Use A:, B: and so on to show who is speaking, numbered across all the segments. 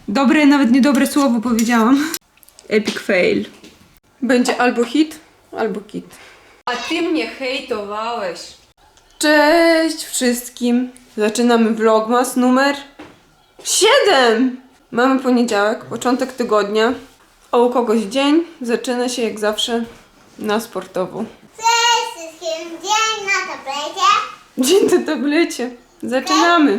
A: Dobre, nawet niedobre słowo powiedziałam. Epic fail. Będzie albo hit, albo kit. A ty mnie hejtowałeś. Cześć wszystkim. Zaczynamy vlogmas numer 7. Mamy poniedziałek, początek tygodnia. A u kogoś dzień zaczyna się jak zawsze na sportowo.
B: Cześć wszystkim, dzień na tablecie.
A: Dzień na tablecie. Zaczynamy.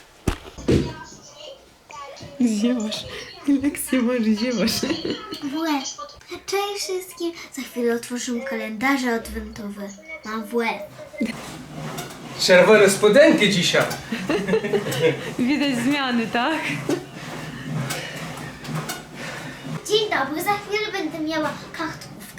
A: Ziewasz. Lekcję masz, ziewasz.
B: W łeb. Cześć wszystkim, za chwilę otworzymy kalendarze adwentowe. Mam w łeb.
C: Czerwone spodenki dzisiaj.
A: Widać zmiany, tak?
B: Dzień dobry, za chwilę będę miała kartkówkę.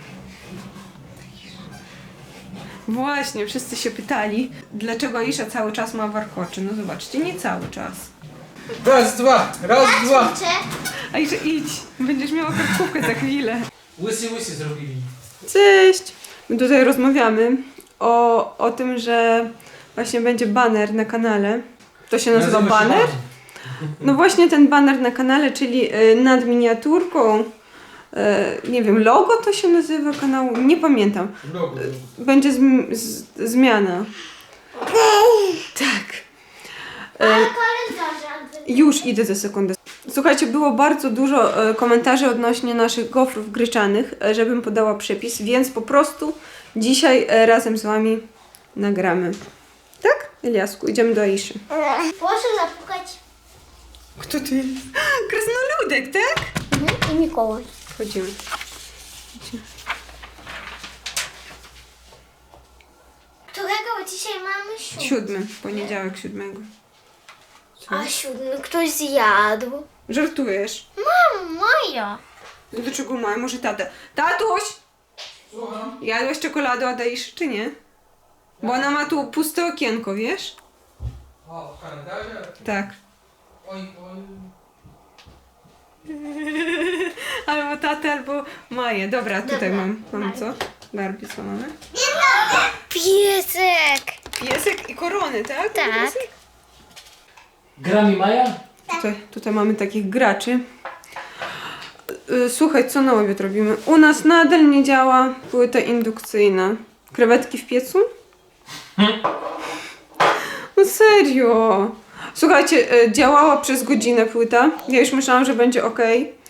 A: Właśnie, wszyscy się pytali, dlaczego Aisza cały czas ma warkocze. No zobaczcie, nie cały czas.
C: Raz, dwa, raz, dwa.
B: Ćwiczę.
A: Aisza, idź, będziesz miała kartkówkę za chwilę.
C: Łysy zrobili.
A: Cześć! My tutaj rozmawiamy o tym, że właśnie będzie baner na kanale. To się nazywa baner? No właśnie ten baner na kanale, czyli nad miniaturką, nie wiem, logo to się nazywa kanału, nie pamiętam.
C: Logo.
A: Będzie zmiana. Tak.
B: Kalendarze adwentowe.
A: Już idę za sekundę. Słuchajcie, było bardzo dużo komentarzy odnośnie naszych gofrów gryczanych, żebym podała przepis, więc po prostu dzisiaj razem z wami nagramy. Tak, Eliasku? Idziemy do Aiszy.
B: Proszę zapukać.
A: Kto to jest? Krasnoludek, tak?
B: I Mikołaj.
A: Chodzimy.
B: Którego dzisiaj mamy?
A: 7, poniedziałek 7.
B: A 7 ktoś zjadł.
A: Żartujesz?
B: Moja.
A: Dlaczego mają? Może tata? Tatuś! Jadłeś czekoladę od Aiszy, czy nie? Bo ona ma tu puste okienko, wiesz?
C: O, w kalendarze?
A: Tak.
C: Oj, oj.
A: Albo tatę, albo Maję. Dobra, tutaj
B: Dobra,
A: mam co? Barbie, co mamy?
B: Piesek.
A: Piesek i korony, tak?
B: Tak.
A: Piesek?
C: Grami Maja?
A: Tutaj mamy takich graczy. Słuchaj, co na obiad robimy? U nas nadal nie działa płyta indukcyjna. Krewetki w piecu? No serio. Słuchajcie, działała przez godzinę płyta. Ja już myślałam, że będzie ok.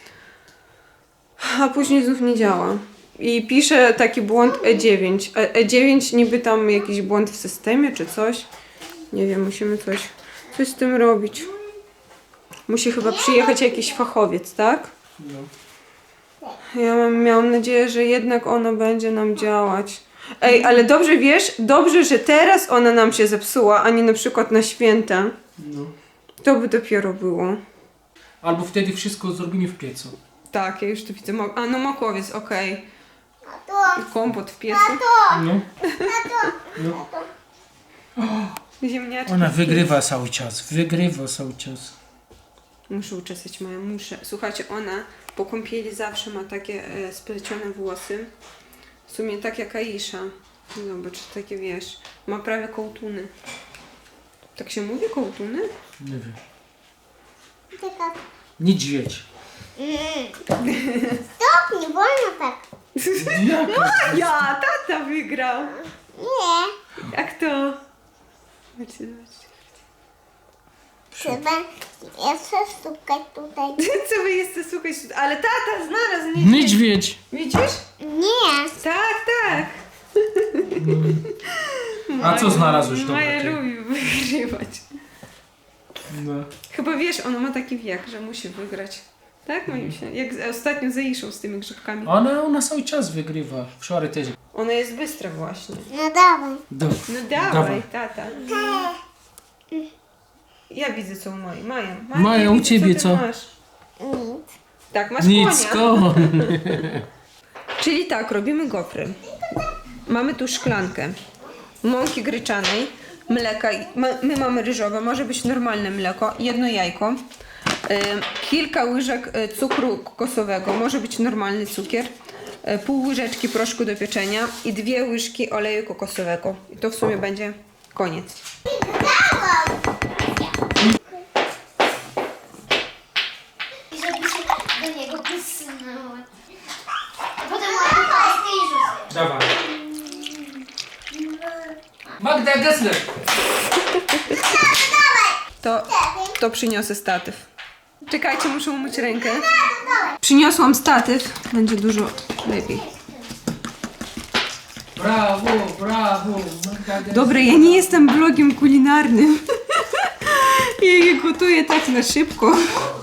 A: A później znów nie działa. I pisze taki błąd E9. E9 niby tam jakiś błąd w systemie czy coś. Nie wiem, musimy coś z tym robić. Musi chyba przyjechać jakiś fachowiec, tak?
C: No.
A: Ja miałam nadzieję, że jednak ona będzie nam działać. Ej, ale dobrze wiesz, dobrze, że teraz ona nam się zepsuła, a nie na przykład na święta.
C: No.
A: To by dopiero było.
C: Albo wtedy wszystko zrobimy w piecu.
A: Tak, ja już tu widzę. A no makowiec, okej. I kompot w piecu.
C: No. No.
A: Ziemniaczki.
C: Ona
A: w
C: wygrywa cały czas. Wygrywa cały czas.
A: Muszę uczesać moją, muszę. Słuchajcie, ona po kąpieli zawsze ma takie splecione włosy. W sumie tak jak Aisza. Zobacz, takie wiesz, ma prawie kołtuny. Tak się mówi, kołtuny?
C: Nie wiem.
B: Taka.
C: Niedźwiedź.
B: Stop, nie wolno tak.
A: Ja, tata wygrał.
B: Nie.
A: Jak to? Zobaczcie, zobaczcie.
B: Trzeba jeszcze stukać tutaj.
A: Co wy jesteście słuchać? Ale tata znalazł niedźwiedź.
C: Niedźwiedź.
A: Widzisz?
B: Nie.
A: Tak, tak.
C: A co znalazłeś
A: Maja
C: dobrego?
A: lubi wygrywać.
C: No.
A: Chyba wiesz, ona ma taki wiek, że musi wygrać. Tak, moim się. Jak ostatnio z Aiszą z tymi grzybkami.
C: Ona cały czas wygrywa. Wczoraj też.
A: Ona jest bystra właśnie.
B: No dawaj.
C: Do.
A: No dawaj,
C: Dawaj.
A: tata. Ja widzę co u Maji. Maja,
C: Maja,
A: ja
C: u
A: widzę,
C: ciebie
A: ty
C: co?
A: Masz.
B: Nic.
A: Tak, masz
C: Nic,
A: konia.
C: koń.
A: Czyli tak, robimy gofry. Mamy tu szklankę mąki gryczanej, mleka, my mamy ryżowe, może być normalne mleko, jedno jajko, kilka łyżek cukru kokosowego, może być normalny cukier, pół łyżeczki proszku do pieczenia i 2 łyżki oleju kokosowego. I to w sumie będzie koniec.
B: do niego wysunąłem. A potem ładnie paskę i rzucę.
C: Dawaj. Magda Gessler.
A: To przyniosę statyw. Czekajcie, muszę umyć rękę. Przyniosłam statyw. Będzie dużo lepiej.
C: Brawo, brawo. Magda Gessler.
A: Dobra, ja nie jestem blogiem kulinarnym. Ja je gotuję tak na szybko.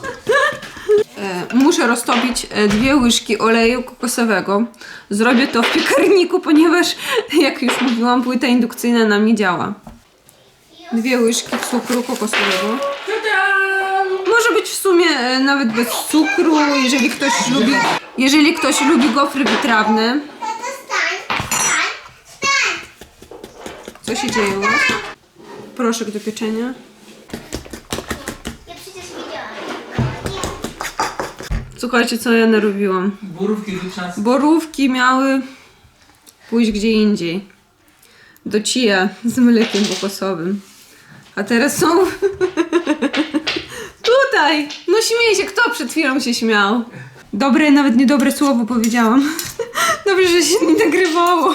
A: Muszę roztopić 2 łyżki oleju kokosowego. Zrobię to w piekarniku, ponieważ, jak już mówiłam, płyta indukcyjna nam nie działa. 2 łyżki cukru kokosowego. Może być w sumie nawet bez cukru, jeżeli ktoś lubi gofry wytrawne. Co się dzieje u was? Proszek do pieczenia.
B: Ja przecież widziałam.
A: Słuchajcie, co ja narobiłam.
C: Borówki ryczanskie.
A: Borówki miały pójść gdzie indziej. Do chia z mlekiem kokosowym. A teraz są tutaj. No śmieje się, kto przed chwilą się śmiał? Dobre, nawet niedobre słowo powiedziałam. Dobrze, że się nie nagrywało.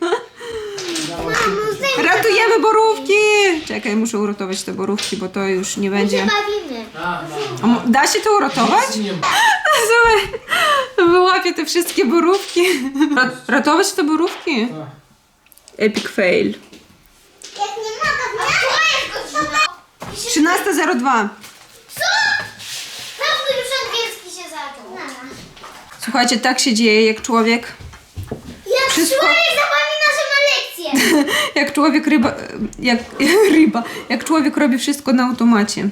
A: Ratujemy borówki! Czekaj, muszę uratować te borówki, bo to już nie będzie.
B: Bawimy.
A: Da się to uratować?
C: Nie ma.
A: Słuchaj, wyłapię te wszystkie borówki. Ratować te borówki? Epic fail.
B: Jak nie mogę, to jest godzina.
A: 13:02.
B: Co? Prawda, już angielski się zaczął.
A: Słuchajcie, tak się dzieje, jak człowiek...
B: Jak
A: Wszystko-
B: człowiek zapomina, że ma lekcję.
A: Jak człowiek jak człowiek robi wszystko na automacie.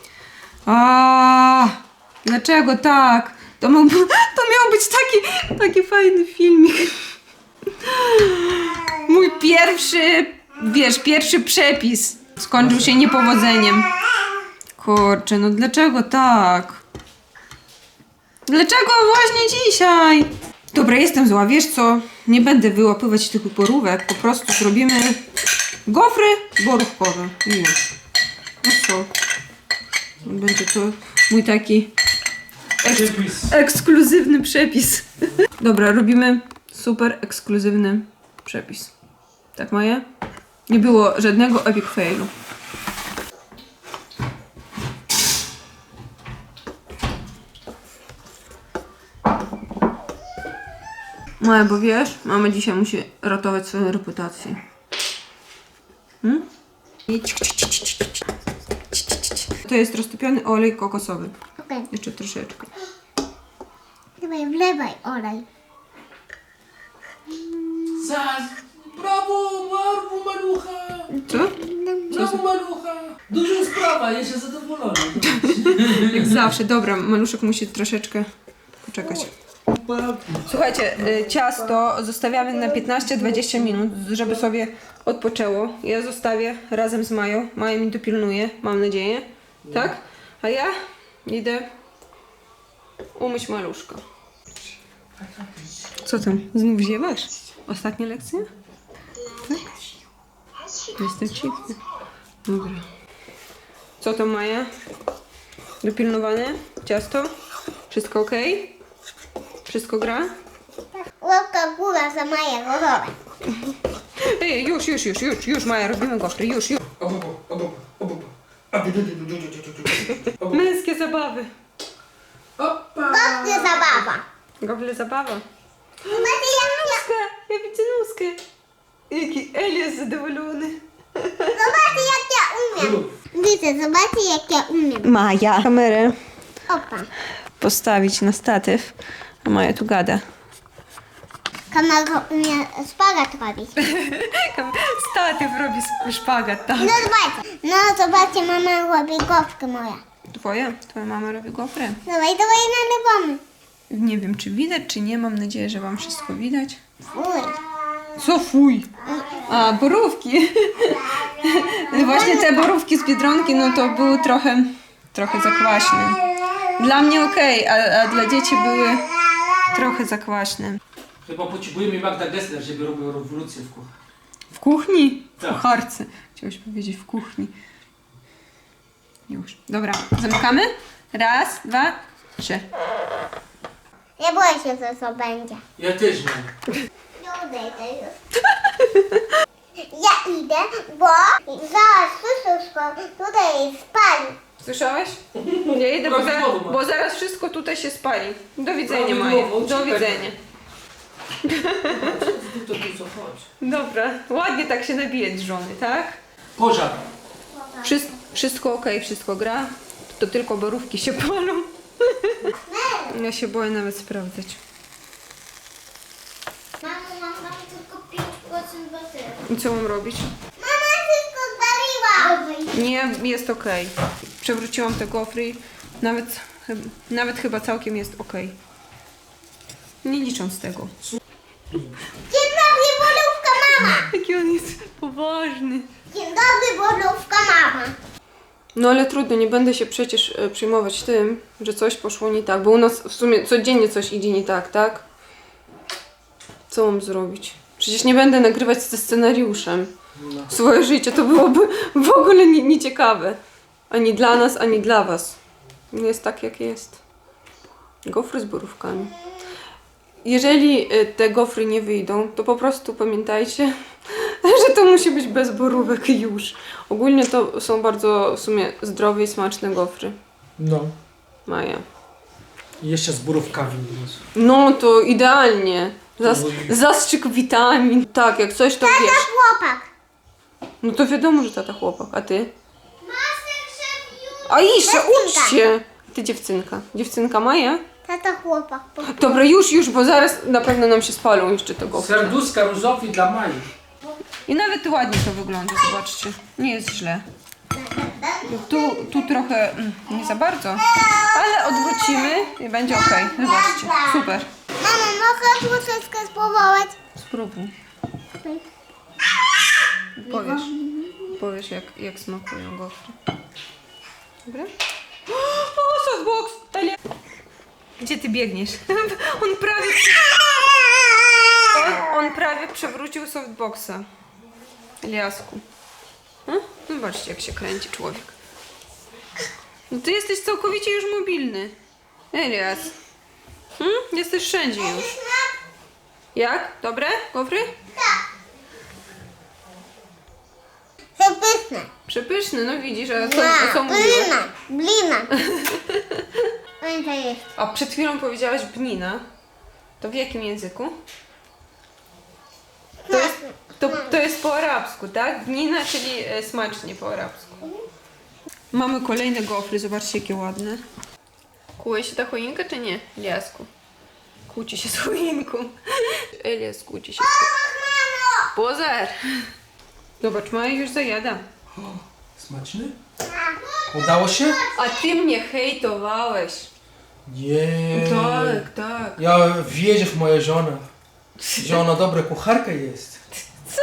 A: Dlaczego tak? To miał być taki fajny filmik. Mój pierwszy przepis skończył się niepowodzeniem. Kurczę, no dlaczego tak? Dlaczego właśnie dzisiaj? Dobra, jestem zła, wiesz co? Nie będę wyłapywać tych borówek, po prostu zrobimy gofry borówkowe. I już. No co? Będzie to mój taki
C: Przepis.
A: ekskluzywny przepis. Dobra, robimy super ekskluzywny przepis. Tak, Maja? Nie było żadnego epic failu. Maja, bo wiesz, mama dzisiaj musi ratować swoją reputację. To jest roztopiony olej kokosowy.
B: Okej,
A: Jeszcze troszeczkę.
B: dawaj, wlewaj olej.
C: Brawo, brawo, malucha.
A: Co?
C: Brawo, malucha. Duża sprawa, jestem zadowolony.
A: Jak zawsze. Dobra, maluszek musi troszeczkę poczekać. Słuchajcie, ciasto zostawiamy na 15-20 minut, żeby sobie odpoczęło. Ja zostawię razem z Mają. Maja mi dopilnuje, mam nadzieję. Tak? A ja idę umyć maluszka. Co tam? Znów ziewasz? Ostatnia lekcja? Tak? Jestem cichny. Dobra. Co tam, Maja? Dopilnowane? Ciasto? Wszystko ok? Wszystko gra?
B: Łapka w górę za moje gotowe.
A: Ej, już, Maja, robimy gofry, już. Męskie zabawy.
B: Gofry zabawa.
A: Gofry zabawa.
B: Zobaczcie jak
A: Nóżkę, ja widzę nóżkę. Jaki Elias zadowolony.
B: Zobaczcie jak ja umiem. Widzę, zobaczcie jak ja umiem.
A: Maja. Kamerę
B: Opa.
A: postawić na statyw, a Maja tu gada.
B: Kamera umie spagat robić.
A: Statyw robi szpagat, tak.
B: No zobaczcie. No zobaczcie, mama robi gofkę moja.
A: Twoja mama robi gofry.
B: Dawaj, nalewamy.
A: Nie wiem, czy widać, czy nie. Mam nadzieję, że wam wszystko widać.
B: Uj.
A: Co fuj? A, borówki. Właśnie te borówki z Biedronki, no to były trochę zakwaśne. Dla mnie okej, a dla dzieci były trochę zakwaśne.
C: Chyba potrzebujemy Magda Gessler, żeby robił rewolucję w kuchni.
A: W kuchni? W
C: Tak.
A: kucharce. Chciałeś powiedzieć w kuchni. Już. Dobra, zamykamy. Raz, dwa. Trzy.
B: Nie boję się, co to będzie.
C: Ja też nie.
B: Nie odejdę już. Ja idę, bo zaraz wszystko tutaj spali.
A: Słyszałeś? Ja idę,
C: Prawidłowo, Maja.
A: bo zaraz wszystko tutaj się spali. Do widzenia, Maja.
C: Prawidłowo,
A: Do
C: uciekaj.
A: widzenia.
C: To co chodź.
A: Dobra, ładnie tak się nabijać z żony, tak?
C: Pożar.
A: Wszystko okej, wszystko gra. To tylko borówki się palą. Ja się boję nawet sprawdzać.
B: Mamo, mam tylko 5% baterii.
A: I co mam robić?
B: Mama wszystko spaliła!
A: Nie, jest okej. Przewróciłam te gofry i nawet chyba całkiem jest okej. Nie licząc tego.
B: Dzień dobry, borówka mama!
A: Jaki on jest poważny.
B: Dzień dobry, borówka mama!
A: No ale trudno, nie będę się przecież przejmować tym, że coś poszło nie tak, bo u nas w sumie codziennie coś idzie nie tak, tak? Co mam zrobić? Przecież nie będę nagrywać ze scenariuszem. Swoje życie to byłoby w ogóle nieciekawe. Ani dla nas, ani dla was. Jest tak, jak jest. Gofry z borówkami. Jeżeli te gofry nie wyjdą, to po prostu pamiętajcie, że to musi być bez borówek już. Ogólnie to są bardzo w sumie zdrowe i smaczne gofry.
C: No.
A: Maja.
C: I jeszcze z borówkami.
A: No to idealnie. Zastrzyk witamin. Tak, jak coś to wiesz.
B: Chłopak!
A: No to wiadomo, że tata chłopak. A ty?
B: Masterchef już!
A: A Isza, ucz
B: Dziewczynka.
A: się! Ty dziewczynka. Dziewczynka Maja?
B: Tata chłopak.
A: Dobra, już, bo zaraz na pewno nam się spalą jeszcze te gofry.
C: Serduszka różowi dla Mai.
A: I nawet ładnie to wygląda, zobaczcie. Nie jest źle. Tu trochę nie za bardzo, ale odwrócimy i będzie ok. Zobaczcie, super.
B: Mamo, mogę troszeczkę spróbować?
A: Spróbuj. Powiesz jak smakują gofry. Dobra? O, softbox! Gdzie ty biegniesz? On prawie przewrócił softboxa. Eliasku. Zobaczcie, jak się kręci człowiek. No ty jesteś całkowicie już mobilny. Elias. Jesteś wszędzie już. Jak? Dobre? Gofry?
B: Przepyszne.
A: Przepyszne, no widzisz, a co mówiłeś?
B: Blina. To jest.
A: A przed chwilą powiedziałaś bnina. To w jakim języku? To jest po arabsku, tak? Bnina, czyli smacznie po arabsku. Mamy kolejne gofry, zobaczcie jakie ładne. Kłuje się ta choinka czy nie, Eliasku? Kłóci się z choinką. Elias kłóci się z choinką. Pozar! Zobacz, Maja już zajada.
C: Smaczny? Udało się?
A: A ty mnie hejtowałeś.
C: Nie.
A: Tak.
C: Ja wierzę w moją żonę. Że ona dobra kucharka jest.
A: Co?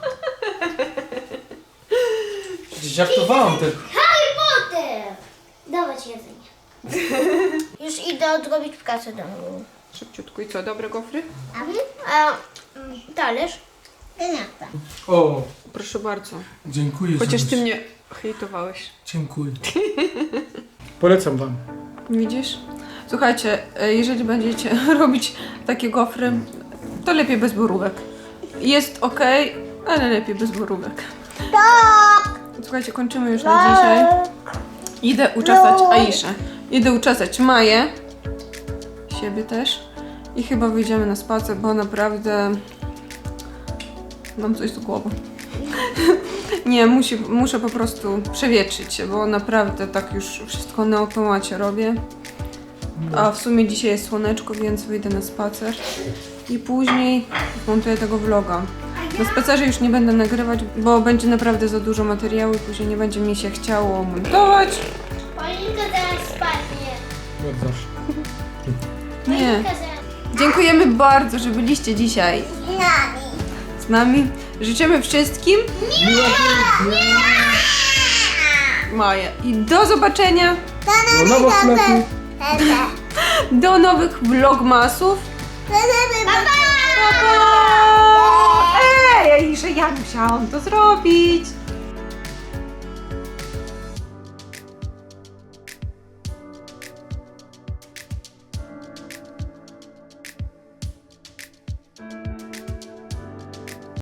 C: Przecież żartowałam tylko.
B: Harry Potter! Dawać jedzenie. Już idę odrobić pracę domową.
A: Szybciutko i co, dobre gofry?
B: Talerz? Nie chcę.
C: O,
A: Proszę bardzo.
C: dziękuję.
A: Chociaż ty
C: Żonuś.
A: mnie hejtowałeś.
C: Dziękuję. Polecam wam.
A: Widzisz? Słuchajcie, jeżeli będziecie robić takie gofry, to lepiej bez borówek. Jest ok, ale lepiej bez borówek.
B: Tak!
A: Słuchajcie, kończymy już na dzisiaj. Idę uczesać Aiszę. Idę uczesać Maję. Siebie też. I chyba wyjdziemy na spacer, bo naprawdę mam coś z głową. Nie, muszę po prostu przewietrzyć się, bo naprawdę tak już wszystko na automacie robię. A w sumie dzisiaj jest słoneczko, więc wyjdę na spacer. I później montuję tego vloga. Na spacerze już nie będę nagrywać, bo będzie naprawdę za dużo materiału i później nie będzie mi się chciało montować.
B: Paulinka zaraz spadnie.
C: Jak zawsze.
A: Nie.
B: Paulinka zaraz...
A: Dziękujemy bardzo, że byliście dzisiaj z nami. Życzymy wszystkim Maja. I do zobaczenia.
C: Do nowych sklepów.
A: Do nowych vlogmasów.
B: Pa, pa!
A: Ej, że ja musiałam to zrobić.
C: Ej.